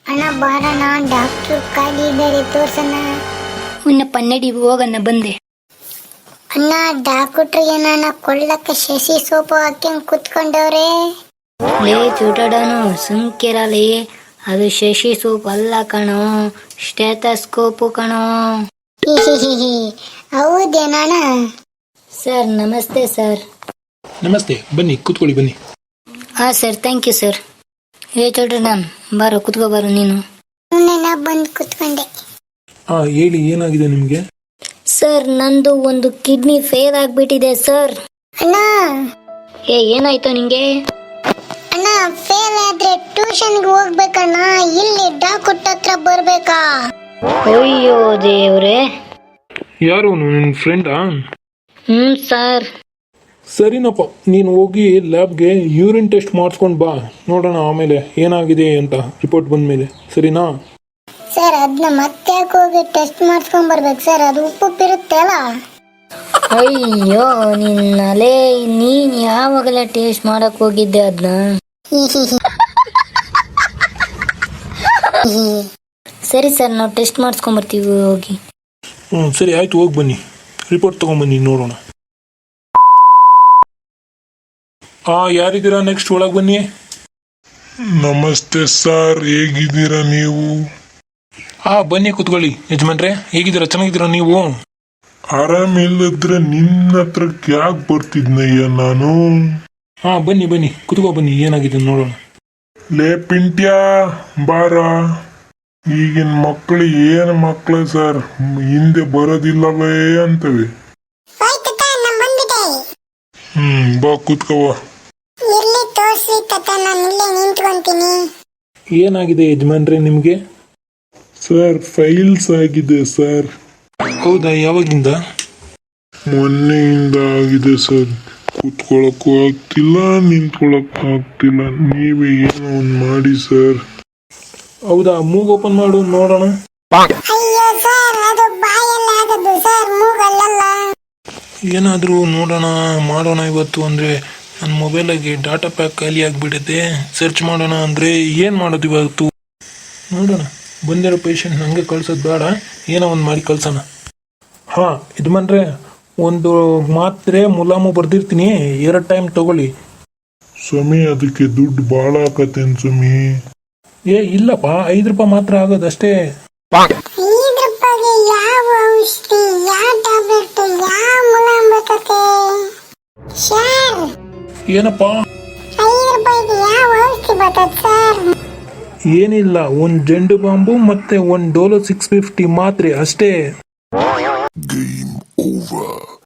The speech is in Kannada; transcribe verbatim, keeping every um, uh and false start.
ಅಣ್ಣ ಬಾರಣ ಡಾಕ್ಟ್ರು ಖಾಲಿ ಇದ್ದಾರೆ ತೋರ್ಸಣ್ಣ. ಉನ್ನ ಪನ್ನಡಿ ಹೋಗಣ್ಣ ಬಂದೆ. ಅಣ್ಣ ಡಾಕ್ಟ್ರು ಏನಣ್ಣ ಕೊಳ್ಳಕ್ಕೆ ಶಶಿ ಸೋಪು ಹಾಕ್ಯಂಗ್ ಕುತ್ಕೊಂಡವ್ರೆ. ಲೇ ಚೂಟಾಡನು ಸುಮ್ಕಿರಲಿ, ಅದು ಶಶಿ ಸೋಪ್ ಅಲ್ಲ ಕಣೋ, ಸ್ಟೆಥೋಸ್ಕೋಪು ಕಣೋ. ಹೌದೇನಣ್ಣ? ಸರ್ ನಮಸ್ತೆ ಸರ್. ನಮಸ್ತೆ, ಬನ್ನಿ ಕೂತ್ಕೊಳ್ಳಿ ಬನ್ನಿ. ಹಾ ಸರ್, ಥ್ಯಾಂಕ್ ಯು ಸರ್. ಹೇ ಚೋಟಡನ್ ಬಾರೋ ಕುತ್ಕೋ ಬಾರೋ ನೀನು. ಸುಮ್ಮನೆ ಬಂದು ಕುತ್ಕೊಂಡೆ. ಹಾ ಹೇಳಿ, ಏನಾಗಿದೆ ನಿಮ್ಗೆ? ಸರ್ ನಂದು ಒಂದು ಕಿಡ್ನಿ ಫೇಲ್ ಆಗ್ಬಿಟ್ಟಿದೆ ಸರ್. ಅಣ್ಣ ಏ ಏನಾಯ್ತು ನಿಂಗೆ? ಅಣ್ಣ ಫೇಲ್ ಆದ್ರೆ ಟ್ಯೂಷನ್ಗೆ ಹೋಗ್ಬೇಕಣ್ಣ, ಇಲ್ಲಿ ಡಾಕ್ಟರ್ ಹತ್ರ ಬರ್ಬೇಕಾ? ಅಯ್ಯೋ ದೇವ್ರೆ. ಯಾರು ನಿನ್ನ ಫ್ರೆಂಡಾ? ಹ್ಮ್ ಸರ್. ಸರಿನಪ್ಪ, ನೀನು ಹೋಗಿ ಲ್ಯಾಬ್ಗೆ ಯೂರಿನ್ ಟೆಸ್ಟ್ ಮಾಡಿಸ್ಕೊಂಡು ಬಾ, ನೋಡೋಣ ಆಮೇಲೆ ಏನಾಗಿದೆ ಅಂತ ರಿಪೋರ್ಟ್ ಬಂದ್ಮೇಲೆ, ಸರಿನಾ? ಸರ್ ಅದನ್ನ ಮತ್ತೆ ಯಾಕೆ ಹೋಗಿ ಟೆಸ್ಟ್ ಮಾಡಿಸ್ಕೊಂಡ್ ಬರ್ಬೇಕು ಸರ್? ಅದು ಉಪ್ಪುಪ್ಪಿರುತ್ತೆ ಅಲ್ಲ? ಅಯ್ಯೋ ನಿನ್ನಲೆ, ನೀನ್ ಯಾವಾಗಲೇ ಟೇಸ್ಟ್ ಮಾಡಕ್ ಹೋಗಿದ್ದೆ ಅದನ್ನ? ಸರಿ ಸರ್, ನಾವು ಟೆಸ್ಟ್ ಮಾಡಿಸ್ಕೊಂಡ್ ಬರ್ತೀವಿ ಹೋಗಿ. ಹ್ಞೂ ಸರಿ ಆಯ್ತು, ಹೋಗಿ ಬನ್ನಿ, ರಿಪೋರ್ಟ್ ತೊಗೊಂಬನ್ನಿ ನೋಡೋಣ. ಹಾಂ ಯಾರಿದ್ದೀರಾ? ನೆಕ್ಸ್ಟ್ ಒಳಗೆ ಬನ್ನಿ. ನಮಸ್ತೆ ಸರ್, ಹೇಗಿದ್ದೀರಾ ನೀವು? ಹಾಂ ಬನ್ನಿ ಕೂತ್ಕೊಳ್ಳಿ. ಯಜಮಾನ್ರೆ ಹೇಗಿದ್ದೀರಾ? ಚೆನ್ನಾಗಿದ್ದೀರಾ ನೀವು? ಆರಾಮಿಲ್ಲದ್ರೆ ನಿನ್ನ ಹತ್ರಕ್ಕೆ ಯಾಕೆ ಬರ್ತಿದ್ನಯ್ಯ ನಾನು? ಹಾಂ ಬನ್ನಿ ಬನ್ನಿ ಕೂತ್ಕೋ ಬನ್ನಿ, ಏನಾಗಿದೆ ನೋಡೋಣ. ಲೇ ಪಿಂಟ್ಯಾ ಬಾರ. ಈಗಿನ ಮಕ್ಕಳು ಏನು ಮಕ್ಕಳು ಸರ್, ಹಿಂದೆ ಬರೋದಿಲ್ಲವೇ ಅಂತವೆ. ಹ್ಮ್ ಬಾ ಕೂತ್ಕೋವ. ಎಲ್ಲಿ ತೋರ್ಸಿ ತಾತ, ನಾನು ಇಲ್ಲೇ ನಿಂತ್ಕೊಂತೀನಿ. ಏನಾಗಿದೆ ಯಜಮಾನ್ರೆ ನಿಮಗೆ? ಸರ್ ಫೈಲ್ಸ್ ಆಗಿದೆ ಸರ್. ಹೌದಾ, ಯಾವಾಗಿಂದ? ಮೊನ್ನೆಯಿಂದ ಆಗಿದೆ ಸರ್. ಕೂತ್ಕೊಳ್ಳಕ್ಕೂ ಆಗ್ತಿಲ್ಲ, ನಿಂತ್ಕೊಳ್ಳಕ್ಕೂ ಆಗ್ತಿಲ್ಲ. ನೀವೇ ಏನೋ ಒಂದು ಮಾಡಿ ಸರ್. ಹೌದಾ, ಮೂಗ್ ಓಪನ್ ಮಾಡು ನೋಡೋಣ. ಅಯ್ಯೋ ಸರ್, ಅದು ಬಾಯಲ್ಲಿ ಆಗದು ಸರ್, ಮೂಗಲ್ಲಲ್ಲ. ಏನಾದರೂ ನೋಡೋಣ ಮಾಡೋಣ ಇವತ್ತು ಅಂದರೆ ನನ್ನ ಮೊಬೈಲಾಗೆ ಡಾಟಾ ಪ್ಯಾಕ್ ಖಾಲಿ ಆಗಿಬಿಡುತ್ತೆ. ಸರ್ಚ್ ಮಾಡೋಣ ಅಂದರೆ ಏನು ಮಾಡೋದು ಇವತ್ತು? ನೋಡೋಣ, ಬಂದಿರೋ ಪೇಷಂಟ್ ನನಗೆ ಕಳ್ಸೋದು ಬೇಡ, ಏನೋ ಒಂದು ಮಾಡಿ ಕಳ್ಸೋಣ. ಹಾಂ ಯಜಮಾನ್ರೆ, ಒಂದು ಮಾತ್ರೆ ಮುಲಾಮು ಬರ್ದಿರ್ತೀನಿ, ಎರಡು ಟೈಮ್ ತಗೊಳ್ಳಿ. ಸ್ವಾಮಿ ಅದಕ್ಕೆ ದುಡ್ಡು ಭಾಳ ಆಕತ್ತೇನು ಸ್ವಾಮಿ? ಏ ಇಲ್ಲಪ್ಪ, ಐದು ರೂಪಾಯಿ ಮಾತ್ರ ಆಗೋದಷ್ಟೇ. ಐದು ರೂಪಾಯಿಗೆ ಯಾವ ಔಷಧಿ, ಯಾವ ಟ್ಯಾಬ್ಲೆಟ್, ಯಾವ ಮುಲಾಮ್ ಬರ್ತತೆ ಸರ್? ಏನಪ್ಪ? ಐದು ರೂಪಾಯಿಗೆ ಯಾವ ಔಷಧಿ ಬರ್ತದೆ ಸರ್? ಏನಿಲ್ಲ, ಒಂದು ಜಂಡು ಬಾಂಬು ಮತ್ತೆ ಒಂದು ಡೋಲೋ ಸಿಕ್ಸ್ ಫಿಫ್ಟಿ ಮಾತ್ರೆ ಅಷ್ಟೇ. Game over.